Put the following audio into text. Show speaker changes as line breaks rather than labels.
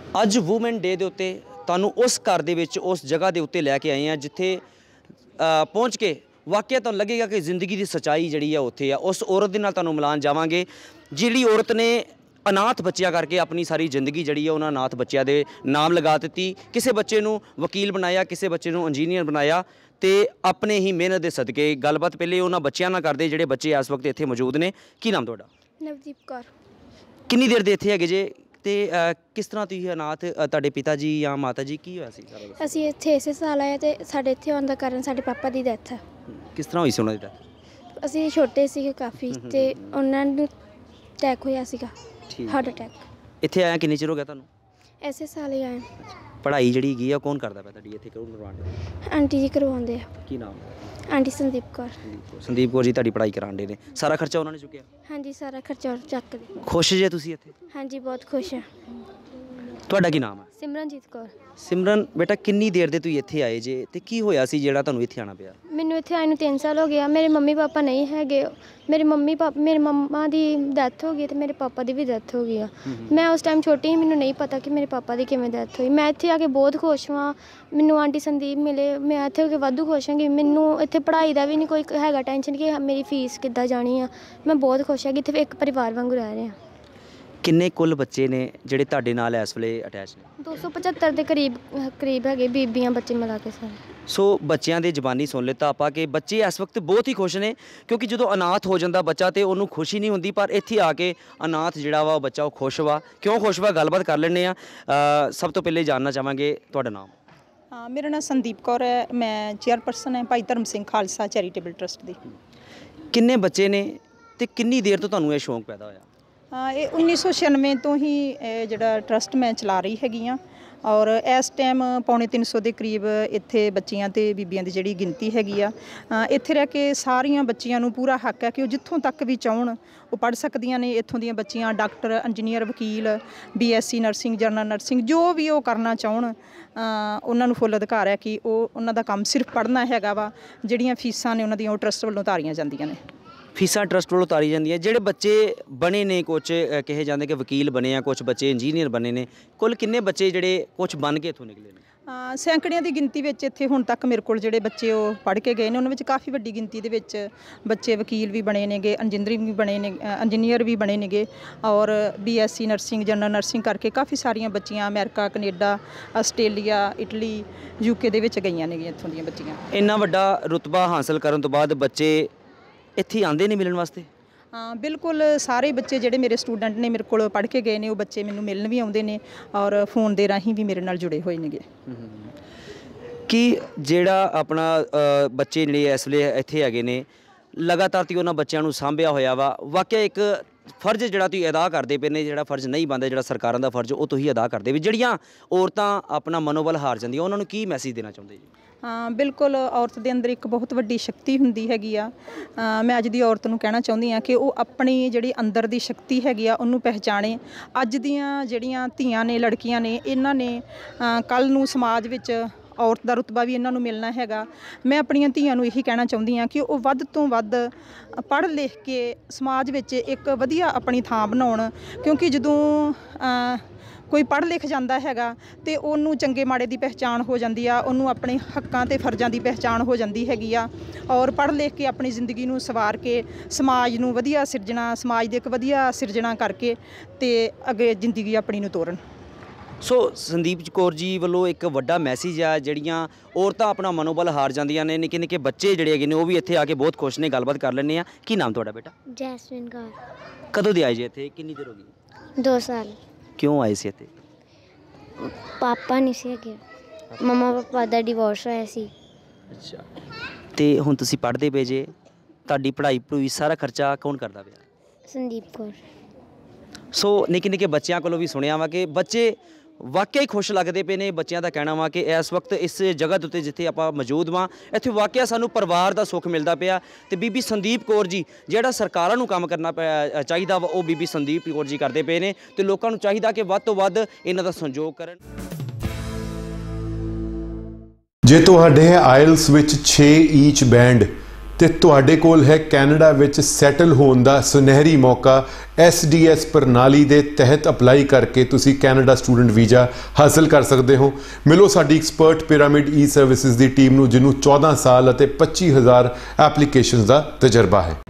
ਅੱਜ woman day ਦੇ ਉੱਤੇ ਤੁਹਾਨੂੰ ਉਸ ਘਰ ਦੇ ਵਿੱਚ ਉਸ ਜਗ੍ਹਾ ਦੇ ਉੱਤੇ ਲੈ ਕੇ ਆਏ ਹਾਂ ਜਿੱਥੇ ਪਹੁੰਚ ਕੇ ਵਾਕਿਆ ਤੁਹਾਨੂੰ ਲੱਗੇਗਾ ਕਿ ਜ਼ਿੰਦਗੀ ਦੀ ਸੱਚਾਈ ਜਿਹੜੀ ਆ ਉੱਥੇ ਆ। ਉਸ ਔਰਤ ਦੇ ਨਾਲ ਤੁਹਾਨੂੰ ਮਿਲਾਨ ਜਾਵਾਂਗੇ ਜਿਹੜੀ ਔਰਤ ਨੇ ਅਨਾਥ ਬੱਚਿਆਂ ਕਰਕੇ ਆਪਣੀ ਸਾਰੀ ਜ਼ਿੰਦਗੀ ਜਿਹੜੀ ਆ ਉਹਨਾਂ ਅਨਾਥ ਬੱਚਿਆਂ ਦੇ ਨਾਮ ਲਗਾ ਦਿੱਤੀ। ਕਿਸੇ ਬੱਚੇ ਨੂੰ ਵਕੀਲ ਬਣਾਇਆ, ਕਿਸੇ ਬੱਚੇ ਨੂੰ ਇੰਜੀਨੀਅਰ ਬਣਾਇਆ ਤੇ ਆਪਣੇ ਹੀ ਮਿਹਨਤ ਦੇ ਸਦਕੇ। ਗੱਲਬਾਤ ਪਹਿਲੇ ਉਹਨਾਂ ਬੱਚਿਆਂ ਨਾਲ ਕਰਦੇ ਜਿਹੜੇ ਬੱਚੇ ਇਸ ਵਕਤ ਇੱਥੇ ਮੌਜੂਦ ਨੇ। ਕੀ ਨਾਮ ਤੁਹਾਡਾ?
ਨਵਦੀਪ ਕੌਰ।
ਕਿੰਨੀ ਦੇਰ ਦੇ ਇੱਥੇ ਹੈਗੇ ਜੇ ਤੇ ਕਿਸ ਤਰ੍ਹਾਂ ਤੁਸੀਂ ਅਨਾਥ ਤੁਹਾਡੇ ਪਿਤਾ ਜੀ ਜਾਂ ਮਾਤਾ ਜੀ ਕੀ ਹੋਇਆ ਸੀ ਸਾਰਾ?
ਅਸੀਂ ਇੱਥੇ ਇਸੇ ਸਾਲ ਆਏ ਤੇ ਸਾਡੇ ਇੱਥੇ ਆਉਣ ਦਾ ਕਾਰਨ ਸਾਡੇ ਪਾਪਾ ਦੀ ਡੈਥ ਹੈ।
ਕਿਸ ਤਰ੍ਹਾਂ ਹੋਈ ਸੀ ਉਹਨਾਂ ਦੀ ਡੈਥ?
ਅਸੀਂ ਛੋਟੇ ਸੀਗੇ ਕਾਫੀ ਤੇ ਉਹਨਾਂ ਨੂੰ ਅਟੈਕ ਹੋਇਆ ਸੀਗਾ, ਹਾਰਟ ਅਟੈਕ।
ਇੱਥੇ ਆਇਆ ਕਿੰਨੇ ਚਿਰ ਹੋ ਗਿਆ ਤੁਹਾਨੂੰ?
ਇਸੇ ਸਾਲ ਹੀ ਆਏ।
ਪੜ੍ਹਾਈ ਜਿਹੜੀ ਹੈਗੀ ਆ ਕੌਣ ਕਰਦਾ ਪਿਆ ਤੁਹਾਡੀ ਇੱਥੇ? ਕੌਣ ਕਰਵਾਉਂਦੇ?
ਆਂਟੀ ਜੀ ਕਰਵਾਉਂਦੇ ਆ।
ਕੀ ਨਾਮ?
ਆਂਟੀ ਸੰਦੀਪ ਕੌਰ।
ਸੰਦੀਪ ਕੌਰ ਜੀ ਤੁਹਾਡੀ ਪੜ੍ਹਾਈ ਕਰਾਉਂਦੇ ਨੇ। ਸਾਰਾ ਖਰਚਾ ਉਹਨਾਂ ਨੇ ਚੁੱਕਿਆ?
ਹਾਂਜੀ, ਸਾਰਾ ਖਰਚਾ ਚੱਕਦੇ।
ਖੁਸ਼ ਜੇ ਤੁਸੀਂ ਇੱਥੇ?
ਹਾਂਜੀ, ਬਹੁਤ ਖੁਸ਼ ਹਾਂ।
ਤੁਹਾਡਾ ਕੀ ਨਾਮ ਹੈ?
ਸਿਮਰਨਜੀਤ ਕੌਰ।
ਸਿਮਰਨ ਬੇਟਾ ਕਿੰਨੀ ਦੇਰ ਦੇ ਤੁਸੀਂ ਇੱਥੇ ਆਏ ਜੇ ਤੇ ਕੀ ਹੋਇਆ ਸੀ ਜਿਹੜਾ ਤੁਹਾਨੂੰ ਇੱਥੇ ਆਉਣਾ ਪਿਆ?
ਮੈਨੂੰ ਇੱਥੇ ਆਏ ਨੂੰ 3 ਸਾਲ ਹੋ ਗਿਆ। ਮੇਰੇ ਮੰਮੀ ਪਾਪਾ ਨਹੀਂ ਹੈਗੇ। ਮੇਰੇ ਮੰਮਾ ਦੀ ਡੈਥ ਹੋ ਗਈ ਤੇ ਮੇਰੇ ਪਾਪਾ ਦੀ ਵੀ ਡੈਥ ਹੋ ਗਈ ਆ। ਮੈਂ ਉਸ ਟਾਈਮ ਛੋਟੀ ਸੀ, ਮੈਨੂੰ ਨਹੀਂ ਪਤਾ ਕਿ ਮੇਰੇ ਪਾਪਾ ਦੀ ਕਿਵੇਂ ਡੈਥ ਹੋਈ। ਮੈਂ ਇੱਥੇ ਆ ਕੇ ਬਹੁਤ ਖੁਸ਼ ਹਾਂ। ਮੈਨੂੰ ਆਂਟੀ ਸੰਦੀਪ ਮਿਲੇ, ਮੈਂ ਇੱਥੇ ਹੋ ਕੇ ਵਾਧੂ ਖੁਸ਼ ਹਾਂ ਕਿ ਮੈਨੂੰ ਇੱਥੇ ਪੜ੍ਹਾਈ ਦਾ ਵੀ ਨਹੀਂ ਕੋਈ ਹੈਗਾ ਟੈਨਸ਼ਨ ਕਿ ਮੇਰੀ ਫੀਸ ਕਿੱਦਾਂ ਜਾਣੀ ਆ। ਮੈਂ ਬਹੁਤ ਖੁਸ਼ ਹਾਂ ਕਿ ਇੱਥੇ ਇੱਕ ਪਰਿਵਾਰ ਵਾਂਗੂ ਰਹਿ ਰਹੇ ਹਾਂ।
ਕਿੰਨੇ ਕੁੱਲ ਬੱਚੇ ਨੇ ਜਿਹੜੇ ਤੁਹਾਡੇ ਨਾਲ ਇਸ ਵੇਲੇ ਅਟੈਚ ਨੇ?
275 ਦੇ ਕਰੀਬ ਹੈਗੇ, ਬੀਬੀਆਂ ਬੱਚੇ ਮਿਲਾ ਕੇ ਸਾਰੇ।
ਸੋ ਬੱਚਿਆਂ ਦੇ ਜ਼ਬਾਨੀ ਸੁਣ ਲਿੱਤਾ ਆਪਾਂ ਕਿ ਬੱਚੇ ਇਸ ਵਕਤ ਬਹੁਤ ਹੀ ਖੁਸ਼ ਨੇ ਕਿਉਂਕਿ ਜਦੋਂ ਅਨਾਥ ਹੋ ਜਾਂਦਾ ਬੱਚਾ ਤੇ ਉਹਨੂੰ ਖੁਸ਼ੀ ਨਹੀਂ ਹੁੰਦੀ, ਪਰ ਇੱਥੇ ਆ ਕੇ ਅਨਾਥ ਜਿਹੜਾ ਵਾ ਉਹ ਬੱਚਾ ਉਹ ਖੁਸ਼ ਵਾ। ਕਿਉਂ ਖੁਸ਼ ਵਾ ਗੱਲਬਾਤ ਕਰ ਲੈਂਦੇ ਆ। ਸਭ ਤੋਂ ਪਹਿਲੇ ਜਾਣਨਾ ਚਾਹਾਂਗੇ ਤੁਹਾਡਾ ਨਾਮ?
ਮੇਰਾ ਨਾਮ ਸੰਦੀਪ ਕੌਰ ਹੈ। ਮੈਂ ਚੇਅਰਪਰਸਨ ਹੈ ਭਾਈ ਧਰਮ ਸਿੰਘ ਖਾਲਸਾ ਚੈਰੀਟੇਬਲ ਟਰਸਟ ਦੀ।
ਕਿੰਨੇ ਬੱਚੇ ਨੇ ਤੇ ਕਿੰਨੀ ਦੇਰ ਤੋਂ ਤੁਹਾਨੂੰ ਇਹ ਸ਼ੌਂਕ ਪੈਦਾ ਹੋਇਆ?
ਇਹ 1996 ਤੋਂ ਹੀ ਜਿਹੜਾ ਟਰਸਟ ਮੈਂ ਚਲਾ ਰਹੀ ਹੈਗੀ ਹਾਂ ਔਰ ਇਸ ਟਾਈਮ 350 ਦੇ ਕਰੀਬ ਇੱਥੇ ਬੱਚੀਆਂ ਤੇ ਬੀਬੀਆਂ ਦੀ ਜਿਹੜੀ ਗਿਣਤੀ ਹੈਗੀ ਆ। ਇੱਥੇ ਰਹਿ ਕੇ ਸਾਰੀਆਂ ਬੱਚੀਆਂ ਨੂੰ ਪੂਰਾ ਹੱਕ ਹੈ ਕਿ ਉਹ ਜਿੱਥੋਂ ਤੱਕ ਵੀ ਚਾਹਣ ਉਹ ਪੜ੍ਹ ਸਕਦੀਆਂ ਨੇ। ਇੱਥੋਂ ਦੀਆਂ ਬੱਚੀਆਂ ਡਾਕਟਰ, ਇੰਜੀਨੀਅਰ, ਵਕੀਲ, BSc ਨਰਸਿੰਗ, ਜਨਰਲ ਨਰਸਿੰਗ ਜੋ ਵੀ ਉਹ ਕਰਨਾ ਚਾਹਣ ਉਹਨਾਂ ਨੂੰ ਫੁੱਲ ਅਧਿਕਾਰ ਹੈ ਕਿ ਉਹਨਾਂ ਦਾ ਕੰਮ ਸਿਰਫ ਪੜ੍ਹਨਾ ਹੈਗਾ ਵਾ। ਜਿਹੜੀਆਂ ਫੀਸਾਂ ਨੇ ਉਹਨਾਂ ਦੀਆਂ ਉਹ ਟਰਸਟ ਵੱਲੋਂ ਉਤਾਰੀਆਂ ਜਾਂਦੀਆਂ ਨੇ।
ਫੀਸਾਂ ਟਰਸਟ ਵੱਲੋਂ ਉਤਾਰੀ ਜਾਂਦੀਆਂ। ਜਿਹੜੇ ਬੱਚੇ ਬਣੇ ਨੇ, ਕੁਛ ਕਹੇ ਜਾਂਦੇ ਕਿ ਵਕੀਲ ਬਣੇ ਆ, ਕੁਛ ਬੱਚੇ ਇੰਜੀਨੀਅਰ ਬਣੇ ਨੇ, ਕੁੱਲ ਕਿੰਨੇ ਬੱਚੇ ਜਿਹੜੇ ਕੁਛ ਬਣ ਕੇ ਇੱਥੋਂ ਨਿਕਲੇ ਨੇ?
ਸੈਂਕੜਿਆਂ ਦੀ ਗਿਣਤੀ ਵਿੱਚ ਇੱਥੇ ਹੁਣ ਤੱਕ ਮੇਰੇ ਕੋਲ ਜਿਹੜੇ ਬੱਚੇ ਉਹ ਪੜ੍ਹ ਕੇ ਗਏ ਨੇ ਉਹਨਾਂ ਵਿੱਚ ਕਾਫੀ ਵੱਡੀ ਗਿਣਤੀ ਦੇ ਵਿੱਚ ਬੱਚੇ ਵਕੀਲ ਵੀ ਬਣੇ ਨੇਗੇ, ਇੰਜੀਨੀਅਰ ਵੀ ਬਣੇ ਨੇਗੇ ਔਰ BSc ਨਰਸਿੰਗ, ਜਨਰਲ ਨਰਸਿੰਗ ਕਰਕੇ ਕਾਫੀ ਸਾਰੀਆਂ ਬੱਚੀਆਂ America, Canada, Australia, Italy, UK ਦੇ ਵਿੱਚ ਗਈਆਂ ਨੇਗੀਆਂ ਇੱਥੋਂ ਦੀਆਂ ਬੱਚੀਆਂ।
ਇੰਨਾ ਵੱਡਾ ਰੁਤਬਾ ਹਾਸਲ ਕਰਨ ਤੋਂ ਬਾਅਦ ਬੱਚੇ ਇੱਥੇ ਆਉਂਦੇ ਨੇ ਮਿਲਣ ਵਾਸਤੇ?
ਹਾਂ, ਬਿਲਕੁਲ। ਸਾਰੇ ਬੱਚੇ ਜਿਹੜੇ ਮੇਰੇ ਸਟੂਡੈਂਟ ਨੇ ਮੇਰੇ ਕੋਲ ਪੜ੍ਹ ਕੇ ਗਏ ਨੇ ਉਹ ਬੱਚੇ ਮੈਨੂੰ ਮਿਲਣ ਵੀ ਆਉਂਦੇ ਨੇ ਔਰ ਫੋਨ ਦੇ ਰਾਹੀਂ ਵੀ ਮੇਰੇ ਨਾਲ ਜੁੜੇ ਹੋਏ ਨੇਗੇ।
ਕਿ ਜਿਹੜਾ ਆਪਣਾ ਬੱਚੇ ਜਿਹੜੇ ਇਸ ਵੇਲੇ ਇੱਥੇ ਹੈਗੇ ਨੇ ਲਗਾਤਾਰ ਤੁਸੀਂ ਉਹਨਾਂ ਬੱਚਿਆਂ ਨੂੰ ਸਾਂਭਿਆ ਹੋਇਆ ਵਾ। ਵਾਕਿਆ ਇੱਕ ਫਰਜ਼ ਜਿਹੜਾ ਤੁਸੀਂ ਅਦਾ ਕਰਦੇ ਪਏ ਨੇ, ਜਿਹੜਾ ਫਰਜ਼ ਨਹੀਂ ਬਣਦਾ, ਜਿਹੜਾ ਸਰਕਾਰਾਂ ਦਾ ਫਰਜ਼ ਉਹ ਤੁਸੀਂ ਅਦਾ ਕਰਦੇ ਵੀ। ਜਿਹੜੀਆਂ ਔਰਤਾਂ ਆਪਣਾ ਮਨੋਬਲ ਹਾਰ ਜਾਂਦੀਆਂ ਉਹਨਾਂ ਨੂੰ ਕੀ ਮੈਸੇਜ ਦੇਣਾ ਚਾਹੁੰਦੇ ਜੀ?
ਹਾਂ, ਬਿਲਕੁਲ। ਔਰਤ ਦੇ ਅੰਦਰ ਇੱਕ ਬਹੁਤ ਵੱਡੀ ਸ਼ਕਤੀ ਹੁੰਦੀ ਹੈਗੀ ਆ। ਮੈਂ ਅੱਜ ਦੀ ਔਰਤ ਨੂੰ ਕਹਿਣਾ ਚਾਹੁੰਦੀ ਹਾਂ ਕਿ ਉਹ ਆਪਣੀ ਜਿਹੜੀ ਅੰਦਰ ਦੀ ਸ਼ਕਤੀ ਹੈਗੀ ਆ ਉਹਨੂੰ ਪਹਿਚਾਣੇ। ਅੱਜ ਦੀਆਂ ਜਿਹੜੀਆਂ ਧੀਆਂ ਨੇ, ਲੜਕੀਆਂ ਨੇ, ਇਹਨਾਂ ਨੇ ਕੱਲ੍ਹ ਨੂੰ ਸਮਾਜ ਵਿੱਚ ਔਰਤ ਦਾ ਰੁਤਬਾ ਵੀ ਇਹਨਾਂ ਨੂੰ ਮਿਲਣਾ ਹੈਗਾ। ਮੈਂ ਆਪਣੀਆਂ ਧੀਆਂ ਨੂੰ ਇਹੀ ਕਹਿਣਾ ਚਾਹੁੰਦੀ ਹਾਂ ਕਿ ਉਹ ਵੱਧ ਤੋਂ ਵੱਧ ਪੜ੍ਹ ਲਿਖ ਕੇ ਸਮਾਜ ਵਿੱਚ ਇੱਕ ਵਧੀਆ ਆਪਣੀ ਥਾਂ ਬਣਾਉਣ ਕਿਉਂਕਿ ਜਦੋਂ ਕੋਈ ਪੜ੍ਹ ਲਿਖ ਜਾਂਦਾ ਹੈਗਾ ਤੇ ਉਹਨੂੰ ਚੰਗੇ ਮਾੜੇ ਦੀ ਪਹਿਚਾਣ ਹੋ ਜਾਂਦੀ ਆ, ਉਹਨੂੰ ਆਪਣੇ ਹੱਕਾਂ ਤੇ ਫਰਜ਼ਾਂ ਦੀ ਪਹਿਚਾਣ ਹੋ ਜਾਂਦੀ ਹੈਗੀ ਆ ਔਰ ਪੜ੍ਹ ਲਿਖ ਕੇ ਆਪਣੀ ਜ਼ਿੰਦਗੀ ਨੂੰ ਸਵਾਰ ਕੇ ਸਮਾਜ ਨੂੰ ਵਧੀਆ ਸਿਰਜਣਾ, ਸਮਾਜ ਦੇ ਇੱਕ ਵਧੀਆ ਸਿਰਜਣਾ ਕਰਕੇ ਤੇ ਅੱਗੇ ਜ਼ਿੰਦਗੀ ਆਪਣੀ ਨੂੰ ਤੋਰਨ।
ਸੋ ਸੰਦੀਪ ਕੌਰ ਜੀ ਵੱਲੋਂ ਇੱਕ ਵੱਡਾ ਮੈਸੇਜ ਆ। ਜਿਹੜੀਆਂ ਔਰਤਾਂ ਆਪਣਾ ਮਨੋਬਲ ਹਾਰ ਜਾਂਦੀਆਂ ਨੇ, ਨਿੱਕੇ ਨਿੱਕੇ ਬੱਚੇ ਜਿਹੜੇ ਹੈਗੇ ਨੇ ਉਹ ਵੀ ਇੱਥੇ ਆ ਕੇ ਬਹੁਤ ਖੁਸ਼ ਨੇ। ਗੱਲਬਾਤ ਕਰ ਲੈਂਦੇ ਆ। ਕੀ ਨਾਮ ਤੁਹਾਡਾ ਬੇਟਾ?
ਜੈਸਮੀਨ ਕੌਰ।
ਕਦੋਂ ਦੇ ਆਏ ਜੀ ਇੱਥੇ? ਕਿੰਨੀ ਦੇਰ ਹੋ ਗਈ?
2 ਸਾਲ।
ਕਿਉਂ ਆਏ ਸੀ ਇੱਥੇ?
ਪਾਪਾ ਨਹੀਂ ਸੀ ਹੈਗੇ, ਮੰਮਾ ਪਾਪਾ ਦਾ ਡਿਵੋਰਸ ਹੋਇਆ ਸੀ।
ਅੱਛਾ। ਤੇ ਹੁਣ ਤੁਸੀਂ ਪੜ੍ਹਦੇ ਪਏ ਜੇ, ਤੁਹਾਡੀ ਪੜ੍ਹਾਈ ਸਾਰਾ ਖਰਚਾ ਕੌਣ ਕਰਦਾ ਪਿਆ?
ਸੰਦੀਪ ਕੌਰ।
ਸੋ ਨਿੱਕੇ ਨਿੱਕੇ ਬੱਚਿਆਂ ਕੋਲੋਂ ਵੀ ਸੁਣਿਆ ਵਾ ਕਿ ਬੱਚੇ ਵਾਕਿਆ ਹੀ ਖੁਸ਼ ਲੱਗਦੇ ਪਏ ਨੇ। ਬੱਚਿਆਂ ਦਾ ਕਹਿਣਾ ਵਾ ਕਿ ਇਸ ਵਕਤ ਇਸ ਜਗ੍ਹਾ ਦੇ ਉੱਤੇ ਜਿੱਥੇ ਆਪਾਂ ਮੌਜੂਦ ਵਾਂ ਇੱਥੇ ਵਾਕਿਆ ਸਾਨੂੰ ਪਰਿਵਾਰ ਦਾ ਸੁੱਖ ਮਿਲਦਾ ਪਿਆ। ਤੇ ਬੀਬੀ ਸੰਦੀਪ ਕੌਰ ਜੀ ਜਿਹੜਾ ਸਰਕਾਰਾਂ ਨੂੰ ਕੰਮ ਕਰਨਾ ਚਾਹੀਦਾ ਵਾ ਉਹ ਬੀਬੀ ਸੰਦੀਪ ਕੌਰ ਜੀ ਕਰਦੇ ਪਏ ਨੇ ਤੇ ਲੋਕਾਂ ਨੂੰ ਚਾਹੀਦਾ ਕਿ ਵੱਧ ਤੋਂ ਵੱਧ ਇਹਨਾਂ ਦਾ ਸਹਿਯੋਗ ਕਰਨ।
ਜੇ ਤੁਹਾਡੇ ਆਇਲਸ ਵਿੱਚ 6 ਈਚ ਬੈਂਡ ਤੇ ਤੁਹਾਡੇ ਕੋਲ ਹੈ ਕੈਨੇਡਾ ਵਿੱਚ ਸੈਟਲ ਹੋਣ ਦਾ ਸੁਨਹਿਰੀ ਮੌਕਾ। SDS ਪ੍ਰਣਾਲੀ ਦੇ ਤਹਿਤ ਅਪਲਾਈ ਕਰਕੇ ਤੁਸੀਂ ਕੈਨੇਡਾ ਸਟੂਡੈਂਟ ਵੀਜ਼ਾ ਹਾਸਲ ਕਰ ਸਕਦੇ ਹੋ। ਮਿਲੋ ਸਾਡੀ ਐਕਸਪਰਟ ਪਿਰਾਮਿਡ ਈ ਸਰਵਿਸਿਜ਼ ਦੀ ਟੀਮ ਨੂੰ, ਜਿਹਨੂੰ 14 ਸਾਲ ਅਤੇ 25,000 ਐਪਲੀਕੇਸ਼ਨਸ ਦਾ ਤਜਰਬਾ ਹੈ।